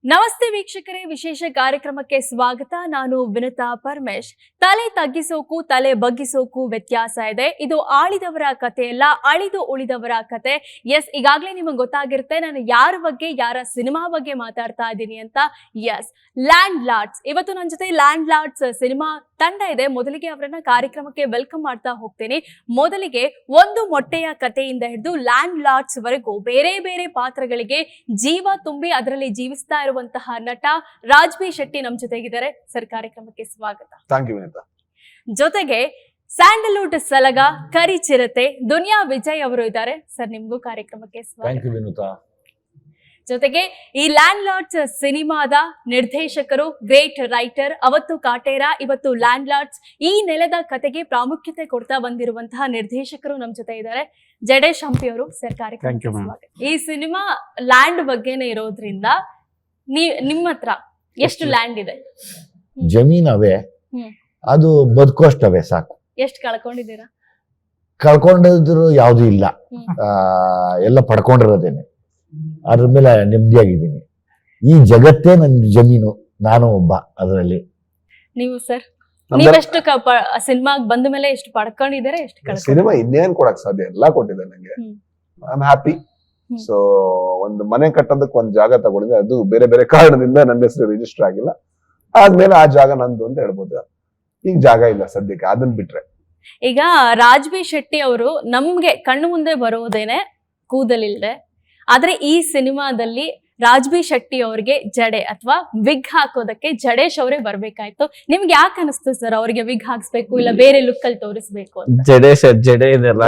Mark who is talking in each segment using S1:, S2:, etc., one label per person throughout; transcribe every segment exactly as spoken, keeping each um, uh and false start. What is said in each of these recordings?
S1: ನಮಸ್ತೆ ವೀಕ್ಷಕರೇ, ವಿಶೇಷ ಕಾರ್ಯಕ್ರಮಕ್ಕೆ ಸ್ವಾಗತ. ನಾನು ವಿನುತಾ ಪರಮೇಶ್. ತಲೆ ತಗ್ಗಿಸೋಕು ತಲೆ ಬಗ್ಗಿಸೋಕು ವ್ಯತ್ಯಾಸ ಇದೆ. ಇದು ಆಳಿದವರ ಕಥೆಯಲ್ಲ, ಅಳಿದು ಉಳಿದವರ ಕತೆ. ಎಸ್, ಈಗಾಗಲೇ ನಿಮಗೆ ಗೊತ್ತಾಗಿರುತ್ತೆ ನಾನು ಯಾರ ಬಗ್ಗೆ, ಯಾರ ಸಿನಿಮಾ ಬಗ್ಗೆ ಮಾತಾಡ್ತಾ ಇದ್ದೀನಿ ಅಂತ. Yes, landlords. ಇವತ್ತು ನನ್ನ ಜೊತೆ ಲ್ಯಾಂಡ್ ಲಾರ್ಡ್ಸ್ ಸಿನಿಮಾ ತಂಡ ಇದೆ. ಮೊದಲಿಗೆ ಅವರನ್ನ ಕಾರ್ಯಕ್ರಮಕ್ಕೆ ವೆಲ್ಕಮ್ ಮಾಡ್ತಾ ಹೋಗ್ತೇನೆ. ಮೊದಲಿಗೆ ಒಂದು ಮೊಟ್ಟೆಯ ಕಥೆಯಿಂದ ಹಿಡಿದು ಲ್ಯಾಂಡ್ ಲಾರ್ಡ್ಸ್ ವರೆಗೂ ಬೇರೆ ಬೇರೆ ಪಾತ್ರಗಳಿಗೆ ಜೀವ ತುಂಬಿ ಅದರಲ್ಲಿ ಜೀವಿಸ್ತಾ ಇರುವಂತಹ ನಟ ರಾಜ್ ಬಿ ಶೆಟ್ಟಿ ನಮ್ಮ ಜೊತೆಗಿದ್ದಾರೆ. ಸರ್, ಕಾರ್ಯಕ್ರಮಕ್ಕೆ ಸ್ವಾಗತ.
S2: Thank you Vineeta.
S1: ಜೊತೆಗೆ ಸ್ಯಾಂಡಲ್ವುಡ್ ಸಲಗ ಕರಿ ಚಿರತೆ ದುನಿಯಾ ವಿಜಯ್ ಅವರು ಇದ್ದಾರೆ. ಸರ್, ನಿಮ್ಗೂ ಕಾರ್ಯಕ್ರಮಕ್ಕೆ ಸ್ವಾಗತ.
S2: Thank you Vineeta.
S1: ಜೊತೆಗೆ ಈ ಲ್ಯಾಂಡ್ ಲಾರ್ಡ್ಸ್ ಸಿನಿಮಾದ ನಿರ್ದೇಶಕರು, ಗ್ರೇಟ್ ರೈಟರ್, ಅವತ್ತು ಕಾಟೇರ, ಇವತ್ತು ಲ್ಯಾಂಡ್ ಲಾರ್ಡ್ಸ್, ಈ ನೆಲದ ಕತೆಗೆ ಪ್ರಾಮುಖ್ಯತೆ ಕೊಡ್ತಾ ಬಂದಿರುವಂತಹ ನಿರ್ದೇಶಕರು ನಮ್ಮ ಜೊತೆ ಇದ್ದಾರೆ. ಜಡೇಶ್ ಹಂಪಿ ಅವರು. ಸರ್, ಕಾರ್ಯಕ್ರಮಕ್ಕೆ ಸ್ವಾಗತ. ಈ ಸಿನಿಮಾ ಲ್ಯಾಂಡ್ ಬಗ್ಗೆನೇ ಇರೋದ್ರಿಂದ ನೀ ನಿಮ್ಮ ಹತ್ರ ಎಷ್ಟು ಲ್ಯಾಂಡ್ ಇದೆ?
S3: ಜಮೀನವೇ, ಅದು ಬದುಕೋಷ್ಟವೇ ಸಾಕು.
S1: ಎಷ್ಟು ಕಳ್ಕೊಂಡಿದ್ದೀರಾ?
S3: ಕಳ್ಕೊಂಡಿದ್ರು ಯಾವ್ದು ಇಲ್ಲ, ಎಲ್ಲ ಪಡ್ಕೊಂಡಿರೋದೇನೆ. ಅದ್ರ ಮೇಲೆ ನೆಮ್ಮದಿಯಾಗಿದ್ದೀನಿ. ಈ ಜಗತ್ತೇ ನನ್ನ ಜಮೀನು, ನಾನು ಒಬ್ಬ ಅದರಲ್ಲಿ.
S1: ನೀವು ಸರ್, ನೀವೆಷ್ಟು ಸಿನಿಮಾಗ್ ಬಂದ ಮೇಲೆ ಎಷ್ಟು ಪಡ್ಕೊಂಡಿದ್ದಾರೆ, ಎಷ್ಟು
S2: ಸಿನಿಮಾ ಇನ್ನೇನ್ ಕೊಡಕ್ ಸಾಧ್ಯ, ಎಲ್ಲಾ ಕೊಟ್ಟಿದೆ ನಂಗೆ. I am happy. ಸೊ ಒಂದು ಮನೆ ಕಟ್ಟೋದಕ್ಕೆ ಒಂದ್ ಜಾಗ ತಗೊಂಡಿದ್ದೆ, ಅದು ಬೇರೆ ಬೇರೆ ಕಾರಣದಿಂದ ನನ್ನ ಹೆಸರು ರಿಜಿಸ್ಟರ್ ಆಗಿಲ್ಲ. ಆದ್ಮೇಲೆ ಆ ಜಾಗ ನಂದು ಅಂತ ಹೇಳ್ಬೋದು. ಈಗ ಜಾಗ ಇಲ್ಲ ಸದ್ಯಕ್ಕೆ, ಅದನ್ನ ಬಿಟ್ರೆ.
S1: ಈಗ ರಾಜ್ ಬಿ ಶೆಟ್ಟಿ ಅವರು ನಮ್ಗೆ ಕಣ್ಣು ಮುಂದೆ ಬರೋದೇನೆ ಕೂದಲಿಲ್ದೆ, ಆದ್ರೆ ಈ ಸಿನಿಮಾದಲ್ಲಿ ರಾಜ್ ಬಿ ಶೆಟ್ಟಿ ಅವ್ರಿಗೆ ಜಡೆ ಅಥವಾ ವಿಗ್ ಹಾಕೋದಕ್ಕೆ ಜಡೇಶ್ ಅವರೇ ಬರ್ಬೇಕಾಯ್ತು. ನಿಮ್ಗೆ ಯಾಕೆ ಅನಿಸ್ತು ಸರ್ ಅವ್ರಿಗೆ ವಿಗ್ ಹಾಕ್ಸ್ಬೇಕು, ಇಲ್ಲ ಬೇರೆ ಲುಕ್ ಅಲ್ಲಿ ತೋರಿಸ್ಬೇಕು ಅಂತ?
S4: ಜಡೇಶ್ ಜಡೆ ಇದೆಲ್ಲ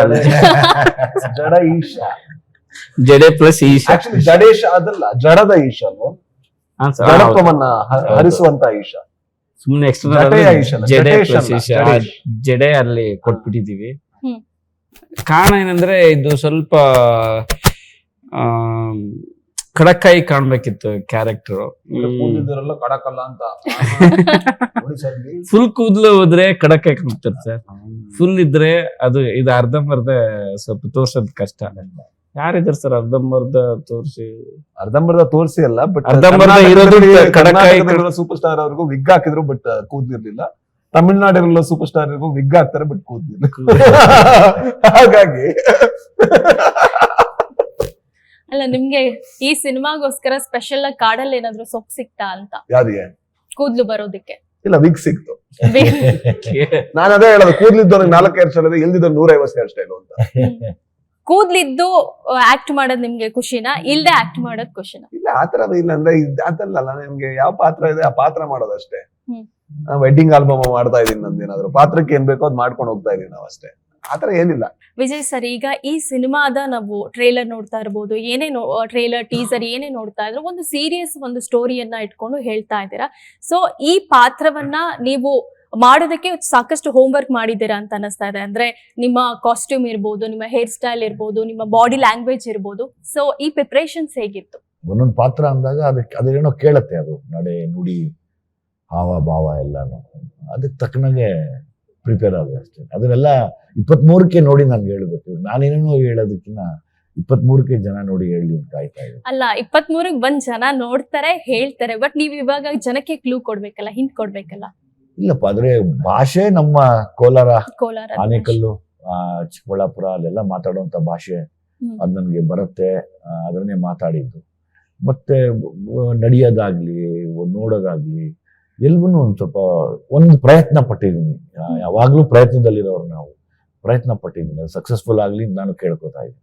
S2: ಜಡ ಈಶಾ,
S4: ಜಡೆ ಪ್ಲಸ್ ಈಶಾ.
S2: ಆಕ್ಚುಲಿ ಜಡೇಶ್ ಅದಲ್ಲ, ಜಡದ ಈಶನು, ಜಡತ್ವವನ್ನ ಹರಿಸುವಂತ ಈಶಾ.
S4: ಸುಮ್ನೆ ಎಕ್ಸ್ಟ್ರಾ ಜಡೆ ಪ್ಲಸ್ ಈಶಾ, ಜಡೆ ಅಲ್ಲಿ ಕೊಟ್ಬಿಟ್ಟಿದೀವಿ. ಕಾರಣ ಏನಂದ್ರೆ ಇದು ಸ್ವಲ್ಪ ಖಡಕ್ಕಾಯಿ ಕಾಣ್ಬೇಕಿತ್ತು ಕ್ಯಾರೆಕ್ಟರ್.
S2: ಕಡಕಲ್ಲ ಅಂತ
S4: ಫುಲ್ ಕೂದಲು ಹೋದ್ರೆ ಖಡಕ್ಕಾಯಿ ಕಾಣ್ತಾರೆ ಸರ್. ಫುಲ್ ಇದ್ರೆ ಅದು ಇದು ಅರ್ಧಂಬರ್ಧ ಸ್ವಲ್ಪ ತೋರ್ಸೋದ್ ಕಷ್ಟ. ಯಾರಿದ್ದಾರೆ ಸರ್ ಅರ್ಧಂಬರ್ಧ ತೋರಿಸಿ?
S2: ಅರ್ಧಂಬರ್ಧ ತೋರಿಸಿ ಅಲ್ಲ, ಬಟ್
S4: ಅರ್ಧಂಬರ್ಧ ಇರೋದು ಖಡಕ್ಕಾಯಿ.
S2: ಸೂಪರ್ ಸ್ಟಾರ್ ಅವ್ರಿಗೂ ವಿಗ್ ಹಾಕಿದ್ರು, ಬಟ್ ಕೂದ್ಲಿರ್ಲಿಲ್ಲ. ತಮಿಳ್ನಾಡಿರಲ್ಲ ಸೂಪರ್ ಸ್ಟಾರ್ ವಿಗ್ ಹಾಕ್ತಾರೆ, ಬಟ್ ಕೂದ್ಲಿಲ್ಲ. ಹಾಗಾಗಿ
S1: ಅಲ್ಲ, ನಿಮ್ಗೆ ಈ ಸಿನಿಮಾಗೋಸ್ಕರ ಸ್ಪೆಷಲ್ ಆಗಿ ಕಾಡಲ್ಲಿ ಏನಾದ್ರು ಸೊಪ್ಪು ಸಿಕ್ತಾ ಅಂತ?
S2: ಯಾರಿಗೆ?
S1: ಕೂದ್ಲು ಬರೋದಿಕ್ಕೆ.
S2: ಇಲ್ಲ, ವಿಗ್ ಸಿಕ್ತು. ನಾನು ಅದೇ ಹೇಳೋದು, ಕೂದ್ಲಿದ್ದವ್ರಿಗೆ ನಾಲ್ಕು ಹೇರ್ ಸ್ಟೈಲ್ ಇದೆ, ಇಲ್ದಿದ್ದು ನೂರ ಐವತ್ತು ಹೇರ್ ಸ್ಟೈಲ್ ಅಂತ.
S1: ಕೂದ್ಲಿದ್ದು ಆಕ್ಟ್ ಮಾಡೋದ್ ನಿಮ್ಗೆ ಖುಷಿನಾ, ಇಲ್ದೆ ಆಕ್ಟ್ ಮಾಡೋದ್ ಖುಷಿನಾ?
S2: ಇಲ್ಲ, ಆತರ ಇಲ್ಲ. ಅಂದ್ರೆ ಅದಲ್ಲ, ನಿಮ್ಗೆ ಯಾವ ಪಾತ್ರ ಇದೆ ಆ ಪಾತ್ರ ಮಾಡೋದಷ್ಟೇ. ವೆಡ್ಡಿಂಗ್ ಆಲ್ಬಮ್ ಮಾಡ್ತಾ ಇದೀನಿ, ನಂದೇನಾದ್ರು ಪಾತ್ರಕ್ಕೆ ಏನ್ ಬೇಕೋ ಅದ್ ಮಾಡ್ಕೊಂಡು ಹೋಗ್ತಾ ಇದೀನಿ ನಾವು ಅಷ್ಟೇ. ಆತರ ಏನಿಲ್ಲ.
S1: ವಿಜಯ್ ಸರ್, ಈಗ ಈ ಸಿನಿಮಾದ ನಾವು ಟ್ರೇಲರ್ ನೋಡ್ತಾ ಇರ್ಬೋದು, ಏನೇ ಟ್ರೇಲರ್ ಟೀಸರ್ ಏನೇ ನೋಡ್ತಾ ಇದ್ರು, ಒಂದು ಸೀರಿಯಸ್ ಒಂದು ಸ್ಟೋರಿಯನ್ನ ಇಟ್ಕೊಂಡು ಹೇಳ್ತಾ ಇದ್ದೀರಾ. ಸೊ ಈ ಪಾತ್ರವನ್ನ ನೀವು ಮಾಡೋದಕ್ಕೆ ಸಾಕಷ್ಟು ಹೋಮ್ ವರ್ಕ್ ಮಾಡಿದ್ದೀರಾ ಅಂತ ಅನಿಸ್ತಾ ಇದೆ. ಅಂದ್ರೆ ನಿಮ್ಮ ಕಾಸ್ಟ್ಯೂಮ್ ಇರ್ಬೋದು, ನಿಮ್ಮ ಹೇರ್ ಸ್ಟೈಲ್ ಇರ್ಬೋದು, ನಿಮ್ಮ ಬಾಡಿ ಲ್ಯಾಂಗ್ವೇಜ್ ಇರ್ಬೋದು. ಸೊ ಈ ಪ್ರಿಪರೇಷನ್ಸ್ ಹೇಗಿತ್ತು?
S3: ಒಂದೊಂದು ಪಾತ್ರ ಅಂದಾಗ ಅದಕ್ಕೆ ಅದೇನೋ ಕೇಳತ್ತೆ, ಅದು ನಡೆ ನುಡಿ ಹಾವ ಭಾವ ಎಲ್ಲಾನು ಅದಕ್ಕೆ ತಕ್ಕನಾಗೆ ಪ್ರಿಪೇರ್ ಆಗಿದೆ ಅಷ್ಟೇ. ಅದನ್ನೆಲ್ಲ ಇಪ್ಪತ್ಮೂರಕ್ಕೆ ನೋಡಿ ನನ್ಗೆ ಹೇಳ್ಬೇಕು. ನಾನೇನೇನೋ ಹೇಳೋದಕ್ಕಿಂತ ಇಪ್ಪತ್ಮೂರಕ್ಕೆ ಜನ ನೋಡಿ ಹೇಳಿ ಅಂತ ಕಾಯ್ತಾ ಇದೆ.
S1: ಅಲ್ಲ, ಇಪ್ಪತ್ಮೂರಕ್ಕೆ ಬಂದ್ ಜನ ನೋಡ್ತಾರೆ, ಹೇಳ್ತಾರೆ, ಬಟ್ ನೀವ್ ಇವಾಗ ಜನಕ್ಕೆ ಕ್ಲೂ ಕೊಡ್ಬೇಕಲ್ಲ, ಹಿಂಟ್ ಕೊಡ್ಬೇಕಲ್ಲ.
S3: ಇಲ್ಲಪ್ಪ, ಆದ್ರೆ ಭಾಷೆ ನಮ್ಮ ಕೋಲಾರ,
S1: ಕೋಲಾರ,
S3: ಆನೇಕಲ್ಲು, ಆ ಚಿಕ್ಕಬಳ್ಳಾಪುರ ಅಲ್ಲೆಲ್ಲ ಮಾತಾಡುವಂತ ಭಾಷೆ ಅದ್ ನನ್ಗೆ ಬರುತ್ತೆ. ಅದನ್ನೇ ಮಾತಾಡಿದ್ದು. ಮತ್ತೆ ನಡೆಯೋದಾಗ್ಲಿ, ನೋಡೋದಾಗ್ಲಿ ಎಲ್ಗೂ ಒಂದ್ ಸ್ವಲ್ಪ ಒಂದು ಪ್ರಯತ್ನ ಪಟ್ಟಿದ್ದೀನಿ. ಯಾವಾಗ್ಲೂ ಪ್ರಯತ್ನದಲ್ಲಿರೋರು ನಾವು. ಪ್ರಯತ್ನ ಪಟ್ಟಿದ್ದೀನಿ, ಸಕ್ಸಸ್ಫುಲ್ ಆಗ್ಲಿ ನಾನು ಕೇಳ್ಕೊತಾ ಇದ್ದೀನಿ.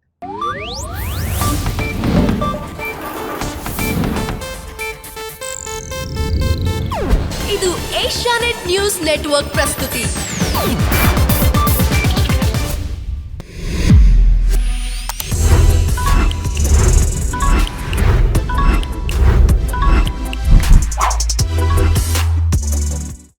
S5: ಇದು ಏಷ್ಯಾನೆಟ್ ನ್ಯೂಸ್ ನೆಟ್ವರ್ಕ್ ಪ್ರಸ್ತುತಿ.